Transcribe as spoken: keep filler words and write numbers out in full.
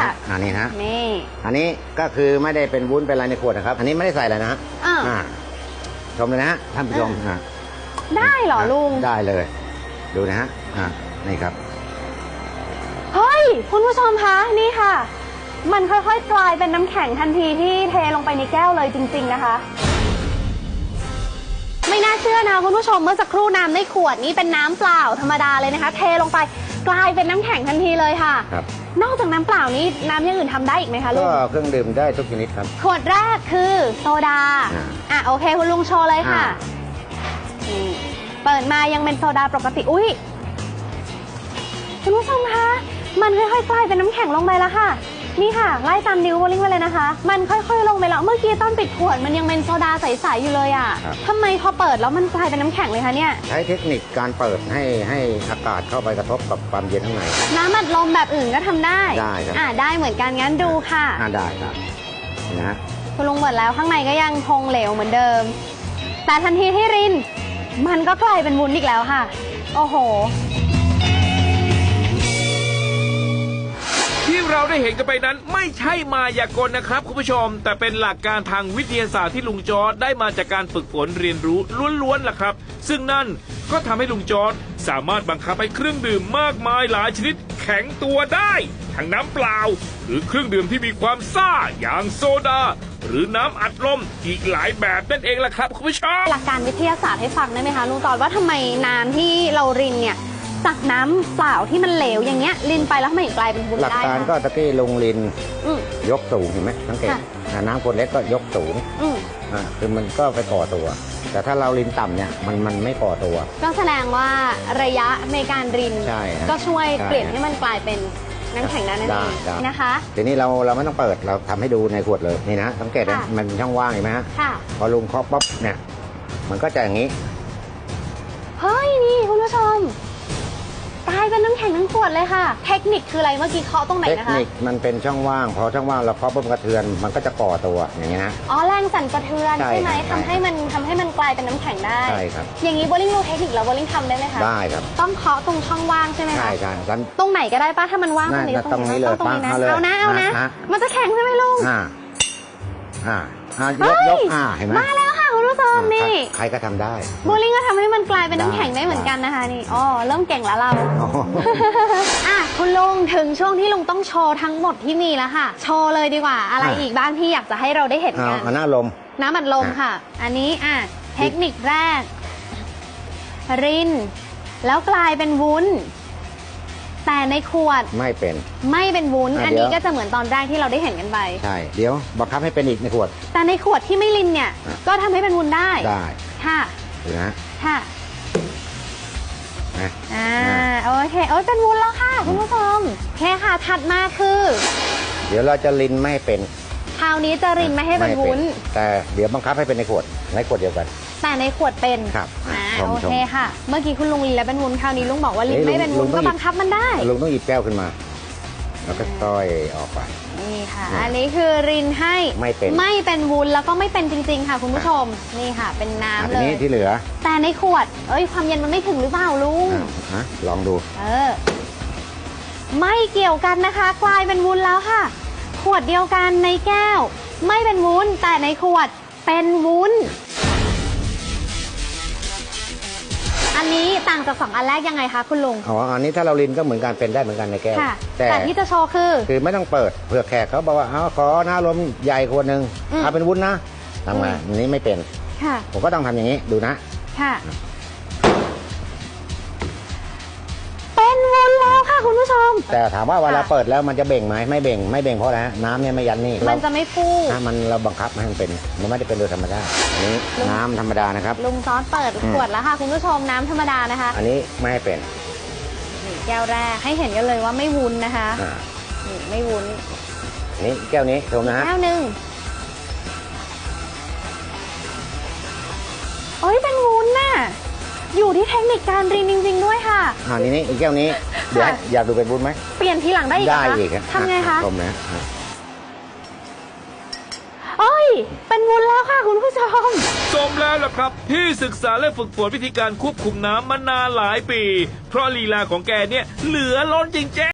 ค่ะอันนี้ฮะนี่อันนี้ก็คือไม่ได้เป็นวุ้นเป็นอะไรในขวดนะครับอันนี้ไม่ได้ใส่อะไรนะฮะอ่าชมเลยนะฮะท่านผู้ชมอ่าได้เหรอลุงได้เลยดูนะฮะอ่านี่ครับเฮ้ยคุณผู้ชมคะนี่ค่ะมันค่อยๆกลายเป็นน้ำแข็งทันทีที่เทลงไปในแก้วเลยจริงๆนะคะไม่น่าเชื่อนะคุณผู้ชมเมื่อสักครู่น้ำในขวดนี้เป็นน้ำเปล่าธรรมดาเลยนะคะเทลงไปกลายเป็นน้ำแข็งทันทีเลยค่ะครับนอกจากน้ำเปล่านี้น้ำอย่างอื่นทำได้อีกไหมคะลุงก็เครื่องดื่มได้ทุกชนิดครับขวดแรกคือโซดาอ่ะโอเคคุณลุงโชว์เลยค่ะเปิดมายังเป็นโซดาปกติอุ้ยคุณผู้ชมคะมันค่อยๆกลายเป็นน้ำแข็งลงไปแล้วค่ะนี่ค่ะไล่ตามนิ้วโบลิ่งไปเลยนะคะมันค่อยๆลงไปแล้วเมื่อกี้ตอนปิดขวดมันยังเป็นโซดาใสๆอยู่เลยอ่ะทำไมพอเปิดแล้วมันกลายเป็นน้ำแข็งเลยคะเนี่ยใช้เทคนิคการเปิดให้ให้อากาศเข้าไปกระทบกับความเย็นข้างในน้ำอัดลมแบบอื่นก็ทำได้ได้ครับอ่าได้เหมือนกันงั้นดูค่ะอ่าได้ครับนะฮะคุณลุงเปิดแล้วข้างในก็ยังคงเหลวเหมือนเดิมแต่ทันทีที่รินมันก็กลายเป็นวุ้นอีกแล้วค่ะโอ้โหที่เราได้เห็นกันไปนั้นไม่ใช่มายากลนะครับคุณผู้ชมแต่เป็นหลักการทางวิทยาศาสตร์ที่ลุงจอร์จได้มาจากการฝึกฝนเรียนรู้ล้วนๆล่ะครับซึ่งนั่นก็ทำให้ลุงจอร์จสามารถบังคับให้เครื่องดื่มมากมายหลายชนิดแข็งตัวได้ทั้งน้ำเปล่าหรือเครื่องดื่มที่มีความซ่าอย่างโซดาหรือน้ำอัดลมอีกหลายแบบนั่นเองล่ะครับคุณผู้ชมหลักการวิทยาศาสตร์ให้ฟังได้ไหมคะลุงจอร์จว่าทำไมน้ำที่เรารินเนี่ยจากน้ำเปล่าที่มันเหลวอย่างเงี้ยรินไปแล้วทำไมกลายเป็นวุ้นได้หลักการก็ตะกี้ลงรินยกสูงเห็นไหมสังเกตน้ำคนเล็กก็ยกสูงอ่าคือมันก็ไปก่อตัวแต่ถ้าเรารินต่ำเนี่ยมันมันไม่ก่อตัวก็แสดงว่าระยะในการรินก็ช่วยเปลี่ยนให้มันกลายเป็นน้ำแข็งได้นั่นเองนะคะทีนี้เราเราไม่ต้องเปิดเราทำให้ดูในขวดเลยนี่นะสังเกตนะมันช่องว่างเห็นไหมฮะพอลุงเคาะป๊อปเนี่ยมันก็จะอย่างนี้เฮ้ยนี่คุณผู้ชมกลายเป็นน้ำแข็งทั้งขวดเลยค่ะเทคนิคคืออะไรเมื่อกี้เคาะตรงไหนนะคะเทคนิคมันเป็นช่องว่างพอช่องว่างเราเคาะปุ๊บกระเทือนมันก็จะก่อตัวอย่างนี้นะอ๋อแรงสั่นสะเทือนใช่ไหมทำให้มันทำให้มันกลายเป็นน้ำแข็งได้ใช่ครับอย่างนี้โบลิ่งรู้เทคนิคแล้วโบลิ่งทำได้ไหมคะได้ครับต้องเคาะตรงช่องว่างใช่ไหมคะใช่ใช่ตรงไหนก็ได้ป้าถ้ามันว่างตรงนี้ตรงนี้เลยตรงนี้นะเอานะเอานะมันจะแข็งใช่ไหมลุงอ่าอ่าอ่ายกยกอ่าเห็นไหมมาแล้วค่ะคุณผู้ชมนี่ใครก็ทำได้โบลิ่งก็ทำให้มันกลายเป็นน้ำแข็งได้เหมือนกันนะคะนี่อ๋อเริ่มเก่งแล้วเราอ่ะคุณลุงถึงช่วงที่ลุงต้องโชว์ทั้งหมดที่มีแล้วค่ะโชว์เลยดีกว่าอะไรอีกบ้างที่อยากจะให้เราได้เห็นกันน้ำลมน้ำอัดลมค่ะอันนี้อ่ะเทคนิคแรกรินแล้วกลายเป็นวุ้นแต่ในขวดไม่เป็นไม่เป็นวุ้นอันนี้ก็จะเหมือนตอนแรกที่เราได้เห็นกันไปใช่เดี๋ยวบังคับให้เป็นอีกในขวดแต่ในขวดที่ไม่รินเนี่ยก็ทำให้เป็นวุ้นได้ได้ค่ะดูนะค่ะอ่าโอเคโอ้ยเป็นวุ้นแล้วค่ะคุณผู้ชมโอเคค่ะถัดมาคือเดี๋ยวเราจะรินไม่เป็นคราวนี้จะรินไม่ให้เป็นวุ้นแต่เดี๋ยวบังคับให้เป็นในขวดในขวดเดียวกันแต่ในขวดเป็นครับอ่าโอเคค่ะเมื่อกี้คุณลุงรินแล้วเป็นวุ้นคราวนี้ลุงบอกว่ารินไม่เป็นวุ้นก็บังคับมันได้ลุงต้องหยิบแก้วขึ้นมาแล้วก็ต้อยออกไปนี่ค่ะอันนี้คือรินให้ไม่เป็นไม่เป็นวุ้นแล้วก็ไม่เป็นจริงๆค่ะคุณผู้ชมนี่ค่ะเป็นน้ำเลยอันนี้ที่เหลือแต่ในขวดเอ้ยความเย็นมันไม่ถึงหรือเปล่าลุงฮะลองดูเออไม่เกี่ยวกันนะคะกลายเป็นวุ้นแล้วค่ะขวดเดียวกันในแก้วไม่เป็นวุ้นแต่ในขวดเป็นวุ้นอันนี้ต่างจากสองอันแรกยังไงคะคุณลุงอ๋ออันนี้ถ้าเรารินก็เหมือนกันเป็นได้เหมือนกันในแก้วแต่ที่จะโชว์คือคือไม่ต้องเปิดเผื่อแขกเขาบอกว่าเอาขอน้ำลมใหญ่ขวดหนึ่งเอาเป็นวุ้นนะทำไงอันนี้ไม่เป็นผมก็ต้องทำอย่างนี้ดูนะค่ะเป็นวุ้นแล้วค่ะคุณผู้ชมแต่ถามว่าเวลาเปิดแล้วมันจะเบ่งไหมไม่เบ่งไม่เบ่งเพราะอะไรน้ำเนี่ยไม่ยันนี่มันจะไม่ฟูมันเราบังคับให้มันเป็นมันไม่ได้เป็นโดยธรรมชาติอันนี้น้ำธรรมดานะครับลุงซอสเปิดขวดแล้วค่ะคุณผู้ชมน้ำธรรมดานะคะอันนี้ไม่ให้เป็นแก้วแรกให้เห็นกันเลยว่าไม่วุ้นนะคะนี่ไม่วุ้นนี่แก้วนี้ชมนะฮะแก้วหนึ่งเอ้ยเป็นวุ้นน่ะอยู่ที่เทคนิคการรินจริงๆด้วยค่ะอ่านี่นี่อีกแก้วนี้เดี๋ยวอยากดูเป็นวุ้นไหมเปลี่ยนทีหลังได้อีกได้อีกทำไงคะชมนะเอ้ยเป็นวุ้นแล้วค่ะคุณผู้ชมสมแล้วล่ะครับที่ศึกษาและฝึกฝนวิธีการควบคุมน้ำมานานหลายปีเพราะลีลาของแกเนี่ยเหลือล้นจริงๆ